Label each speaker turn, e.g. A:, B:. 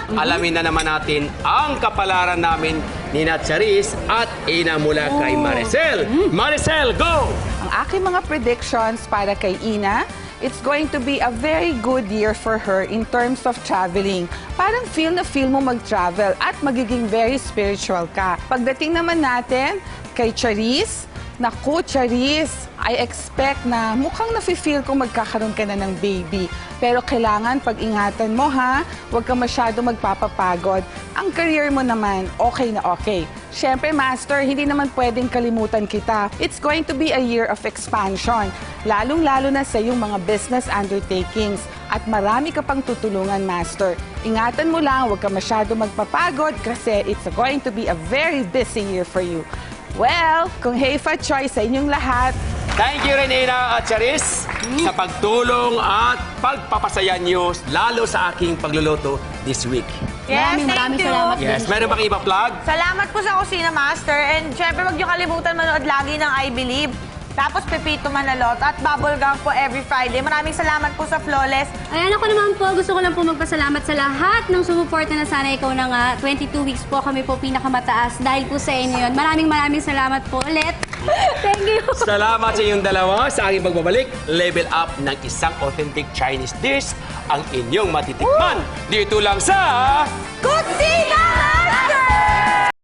A: alamin na naman natin ang kapalaran namin ni Charis at Ina mula kay Maricel. Maricel, go!
B: Ang aking mga predictions para kay Ina, it's going to be a very good year for her in terms of traveling. Parang feel na feel mo mag-travel at magiging very spiritual ka. Pagdating naman natin kay Charis, naku, Charis, I expect na mukhang nafe-feel kung magkakaroon ka na ng baby. Pero kailangan pag-ingatan mo ha, huwag ka masyado magpapapagod. Ang career mo naman, okay na okay. Siyempre, Master, hindi naman pwedeng kalimutan kita. It's going to be a year of expansion, lalong-lalo na sa iyong mga business undertakings. At marami ka pang tutulungan, Master. Ingatan mo lang, huwag ka masyado magpapagod kasi it's going to be a very busy year for you. Well, kung Heifa choice sa inyong lahat,
A: Thank you rin, Ina at Charis, sa pagtulong at pagpapasaya niyo, lalo sa aking pagluluto this week.
C: Yes,
D: Maraming
C: thank you.
D: salamat.
A: Yes, meron bang iba vlog?
C: Salamat po sa Kusina Master. And syempre, huwag niyo kalimutan manood lagi ng I Believe. Tapos Pepito Manalot at Bubblegum po every Friday. Maraming salamat po sa Flawless.
D: Ayan, ako naman po, gusto ko lang po magpasalamat sa lahat ng sumuporta na Sana Ikaw Na Nga. 22 weeks po kami po pinakamataas dahil po sa inyo yun. Maraming salamat po ulit. Thank you.
A: Salamat sa inyong dalawa sa aking pagbabalik. Level up ng isang authentic Chinese dish ang inyong matitikman. Dito lang sa...
C: Kusina!